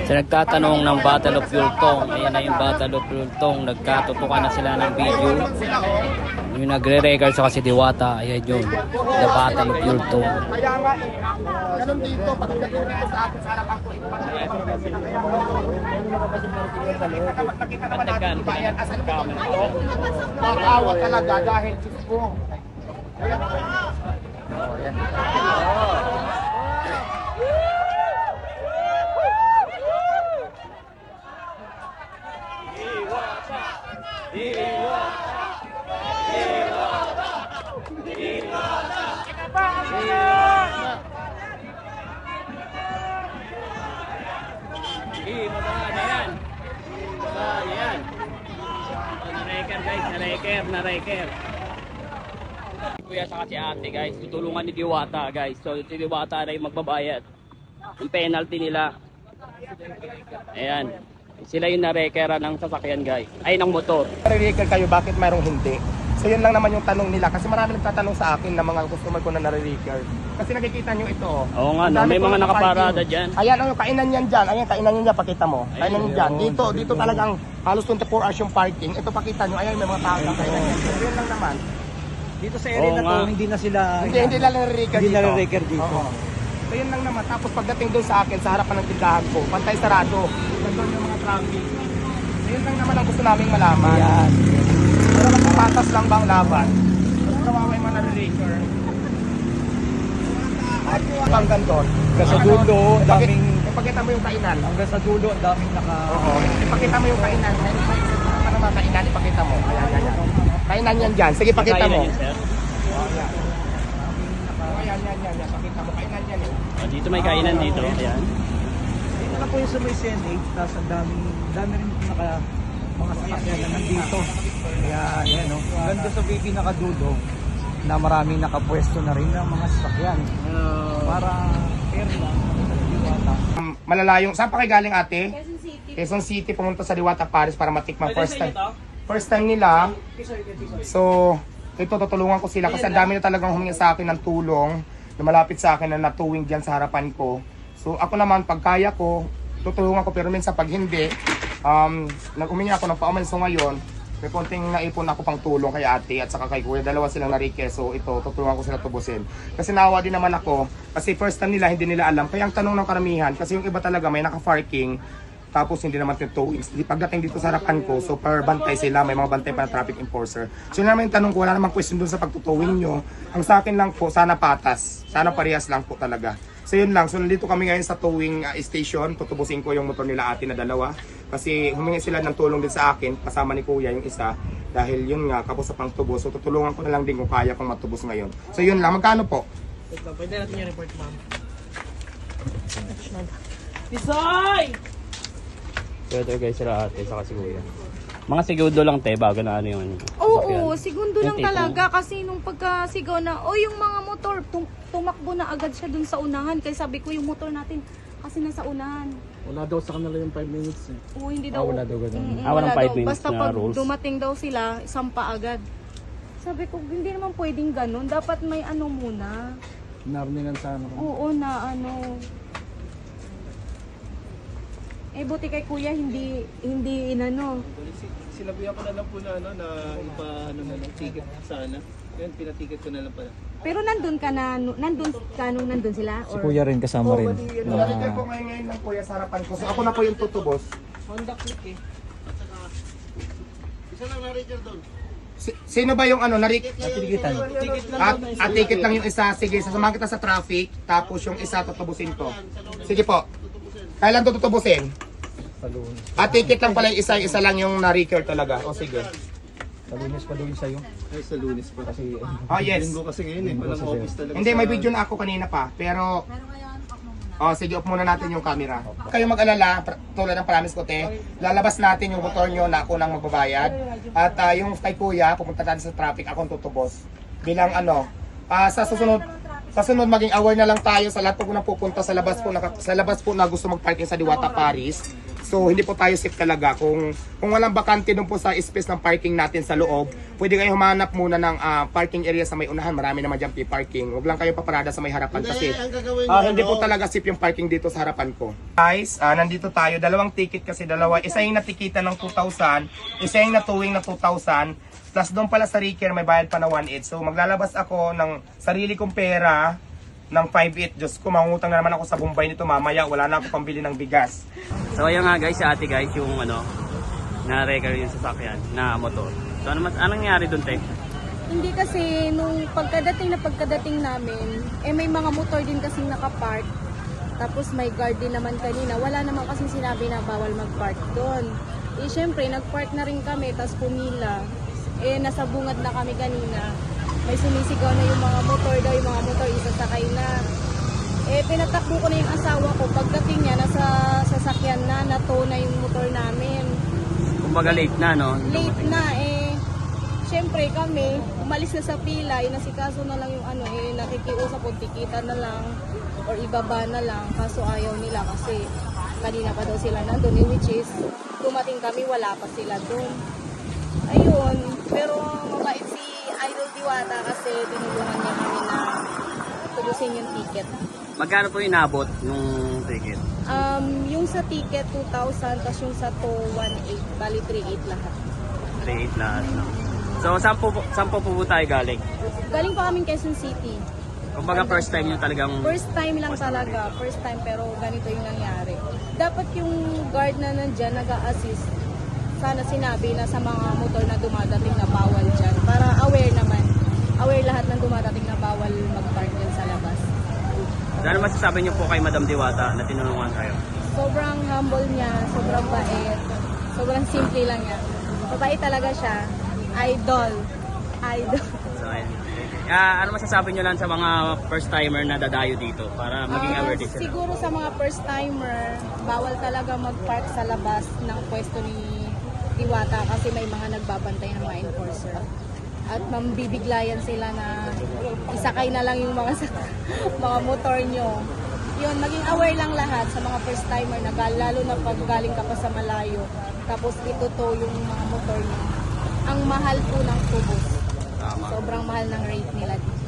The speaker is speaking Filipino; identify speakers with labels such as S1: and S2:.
S1: Sa nagtatanong ng Battle of Yultong, ayan na yung Battle of Yultong, nagkatutukan na sila ng video. Yung nagre-record sa kasi Diwata, ayan yun, The Battle of Yultong.
S2: Kaya nga ganun dito, pagdating dito sa akin, sa harapan ko, kapag nakita naman natin, diba yan, asan ka naman ako? Makawa talaga dahil Diyos ko.
S1: Na-reker. Kuya sa si ate guys, tutulungan ni Diwata guys. So si Diwata na yung magbabayad. Yung penalty nila. Ayan. Sila yung na-rekera ng sasakyan guys. Ay, ng motor.
S2: Nare-record kayo, bakit mayroong hindi? So yun lang naman yung tanong nila. Kasi marami nagtatanong sa akin na mga customer ko na nare-record. Kasi nakikita nyo ito.
S1: Oo nga, no? May mga nakaparada dyan.
S2: Ayan, yung kainan yan dyan. Ayan, kainan yan dyan, pakita mo. Kainan yan dyan. Dito talagang halos 24 hours yung parking. Ito pakita nyo, ayan, may mga tao na kainan yan. So yun lang naman.
S3: Dito sa area na to, hindi na sila
S2: Hindi nila nare-record dito.
S3: Hindi nare-record dito.
S2: Oo. So yun lang naman. Tapos pagdating doon sa akin, sa harapan ng tindahan ko, pantay sarado. Nandun yung mga traffic. So yun lang naman ang gusto naming malaman.
S3: Yan.
S2: Pero magpapatas lang bang laban? Mas kawawa yung mga nare-record. Hanggang doon.
S3: Hanggang sa dulo, daming
S2: Ipakita mo yung kainan.
S3: hanggang sa dulo, ang daming naka
S2: Oo. Ipakita mo yung kainan. Ano mga kainan, ipakita mo. Ayan, ayan. Kainan yan dyan. Sige, pakita mo.
S1: Kainan yun, sir.
S2: Ayan. Ayan. Pakita mo. Kainan yan eh.
S1: Oh, dito may kainan dito. Ayan.
S3: dito na po yung sa may CNH, tapos ang dami rin naka mga sasakyan na nandito. Kaya yan no. Ganda sa baby nakadulo na maraming nakapwesto na rin ng mga sasakyan. Para fair lang sa Diwata.
S2: Malalayong. Saan pa kayo galing ate?
S4: Quezon City.
S2: Quezon City, pumunta sa Diwata, Paris para matikman first time nila. So, ito tutulungan ko sila kasi ang dami na talagang humingi sa akin ng tulong na malapit sa akin na natuwing dyan sa harapan ko. So, ako naman, pag kaya ko, tutulungan ko pero minsan pag hindi, nag-humingi ako ng pauman. So, ngayon, may konting naipon ako pang tulong kay ate at saka kay kuya. Dalawa silang na-request. So, ito, tutulungan ko sila tubusin. Kasi nawa din naman ako kasi first time nila, hindi nila alam. Kaya ang tanong ng karamihan, kasi yung iba talaga may naka-parking, tapos hindi naman towing. Pagdating dito sa harapan ko, so per bantay sila, may mga bantay pa na traffic enforcer. So yun naman yung tanong ko, wala namang question dun sa pagtutowing nyo. Ang sa akin lang po, sana patas. Sana parehas lang po talaga. So yun lang, so nandito kami ngayon sa towing station. Tutubusin ko yung motor nila ate na dalawa. Kasi humingi sila ng tulong din sa akin, kasama ni kuya yung isa. Dahil yun nga, kapos sa pangtubos. So tutulungan ko na lang din kung kaya kong matubos ngayon. So yun lang, magkano po?
S3: Pwede natin yung report, ma'am.
S1: Ito guys, sila ate, saka si kuya. Mga segundo lang te, bago na ano yung
S4: Oo, segundo lang
S1: Yung tipong-
S4: talaga kasi nung pagkasigaw na, yung mga motor, tumakbo na agad siya dun sa unahan. Kaya sabi ko yung motor natin kasi nasa unahan.
S3: Wala daw sa kanila yung 5 minutes eh.
S4: Oo, hindi daw.
S3: wala daw ganun.
S4: Wala
S1: Walang 5
S4: daw.
S1: minutes
S4: Basta
S1: na
S4: pag
S1: rules.
S4: dumating daw sila, sampa agad. Sabi ko, hindi naman pwedeng ganun. Dapat may ano muna.
S3: Narningan sa ano.
S4: Oo na ano. Buti kay kuya, hindi inano.
S5: Sinabihan ko na lang po na ano na ipa-ano na lang ticket sana. Yan pinaticket ko na lang pala.
S4: Pero nandun ka nung nandun sila?
S3: Si Kuya rin kasama rin.
S2: Narinig ko ngayon ng kuya sa harapan ko. So ako na po yung tutubos.
S3: Honda Click eh.
S5: Isa lang na-record doon.
S2: Sino ba yung ano, narik?
S3: Titikitan.
S5: Ticket lang
S2: At ticket lang yung isa. Sige, sasamahan kita sa traffic. Tapos yung isa, tutubusin ko. Sige po. Kailan to tutubusin?
S3: Sa Lunes.
S2: At ticket lang pala yung isa lang yung na-record talaga. O sige.
S3: Sa Lunes pa doon sa'yo.
S5: Ay sa Lunes pa.
S3: Kasi
S2: Oh yes.
S5: Linggo kasi ngayon eh. Walang office talaga.
S2: Hindi, may video na ako kanina pa. Pero... sige, off muna natin yung camera. Kayo mag-alala, tulad ng promise ko te, lalabas natin yung motor nyo na ako nang magbabayad. At yung kay kuya, pupunta natin sa traffic, akong tutubos. Bilang ano, sa susunod maging aware na lang tayo sa lahat po na pupunta sa labas po na gusto mag-parking sa Diwata, Paris. So hindi po tayo safe talaga. Kung walang bakante doon po sa space ng parking natin sa loob, pwede kayo humanap muna ng parking area sa may unahan. Marami naman dyan parking. Huwag lang kayo paparada sa may harapan kasi hindi po talaga safe yung parking dito sa harapan ko. Guys, nandito tayo. Dalawang ticket kasi dalawa. Isa yung natikita ng 2,000, isa yung natuwing na 2,000. Plus doon pala sa Ricker may bayad pa na 1,800. So maglalabas ako ng sarili kong pera ng 5,800. Diyos ko, mangutang na naman ako sa Bombay nito mamaya. Wala na ako pambili ng bigas.
S1: So ayun nga guys, si ate guys, yung na-record yung sasakyan na motor. So anong nangyari doon, te?
S4: Hindi kasi nung pagkadating namin, may mga motor din kasing nakapark. Tapos may guard din naman kanina. Wala naman kasing sinabi na bawal magpark doon. Syempre, nagpark na rin kami, tapos pumila. Nasa bungad na kami kanina. May sumisigaw na yung mga motor daw, yung mga motor isasakay na. Pinatakbo ko na yung asawa ko. Pagdating niya, nasa sasakyan na, nato na yung motor namin.
S1: Kumbaga late na, no?
S4: Late na syempre kami, umalis na sa pila, inasikaso na lang yung nakikiusap o tikita na lang or ibaba na lang, kaso ayaw nila kasi kanina pa daw sila nandun, which is dumating kami, wala pa sila dun. Ayun, pero mabait si Idol Diwata kasi tinulungan niya kami na tubusin yung ticket.
S1: Magkano po inabot nung ticket?
S4: Yung sa ticket 2,000, tapos yung sa to 1,800, bali 3,800 lahat.
S1: 3,800 lahat, no? So, saan po tayo galing?
S4: Galing pa kaming Quezon City.
S1: Kumbaga first time nyo talagang...
S4: First time lang talaga. First time pero ganito yung nangyari. Dapat yung guard na nandyan nag-a-assist. Sana sinabi na sa mga motor na dumadating na bawal dyan. Para aware naman. Aware lahat ng dumadating na bawal mag-park dyan sa labas.
S1: Ano masasabi nyo po kay Madam Diwata na tinulungan kayo?
S4: Sobrang humble niya. Sobrang bait. Sobrang simple lang niya. Mabait talaga siya. Idol.
S1: So, ayun. Ano masasabi nyo lang sa mga first timer na dadayo dito para maging aware din sila?
S4: Siguro sa mga first timer, bawal talaga mag-park sa labas ng pwesto ni Diwata kasi may mga nagbabantay ng mga enforcer. At mambibiglayan sila na isakay na lang yung mga mga motor nyo. Yun, maging aware lang lahat sa mga first timer na lalo na pag galing ka pa sa malayo. Tapos ituto yung mga motor nyo. Ang mahal po ng tubos.
S1: Tama.
S4: Sobrang mahal ng rate nila dito.